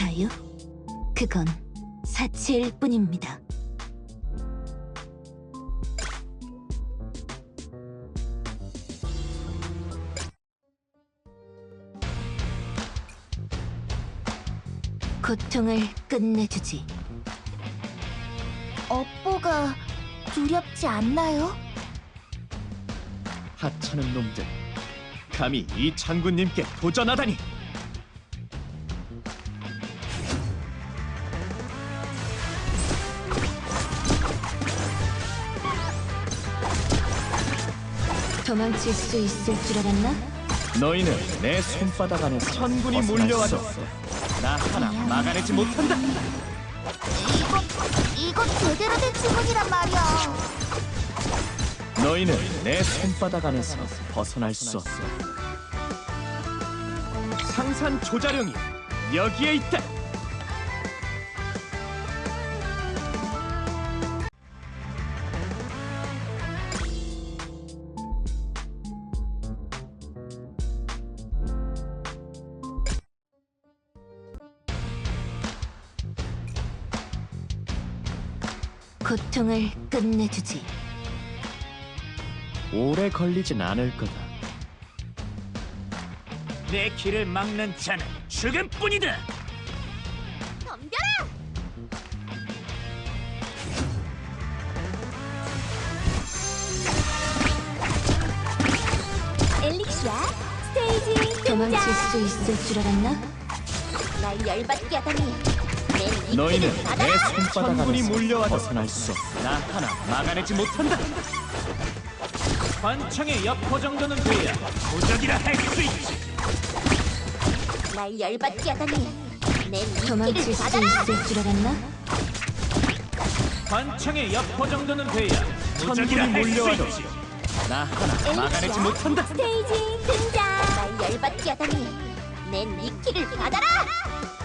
자유? 그건 사치일 뿐입니다. 고통을 끝내주지. 업보가 두렵지 않나요? 하찮은 놈들, 감히 이 장군님께 도전하다니! 도망칠 수 있을 줄 알았나? 너희는 내 손바닥 안에서 천군이 몰려와줬어. 나 하나 막아내지 못한다. 이거 제대로 된 주문이란 말이야. 너희는 내 손바닥 안에서 벗어날 수 없어. 상산 조자룡이 여기에 있다. 고통을 끝내주지. 오래 걸리진 않을 거다. 내 길을 막는 자는 죽음뿐이다. 덤벼라! 엘릭시아 스테이지 도망칠 등장! 수 있을 줄 알았나? 날 열받게 하다니. 내 너희는 이끼를 내 받아라! 손바닥 천군이 안에서 몰려와도 벗어날 수 없어. 나 하나 막아내지 못한다. 관청의 여포 정도는 돼야 도적이라 할 수 있지. 날 열받게 하다니. 내 도망칠 이끼를 수 받아라! 있을 줄 알았나? 관청의 여포 정도는 돼야 도적이라 천군이 할 수 몰려와도 있지. 나 하나 막아내지 못한다. 스테이지 등장! 날 열받게 하다니. 내 이끼를 받아라!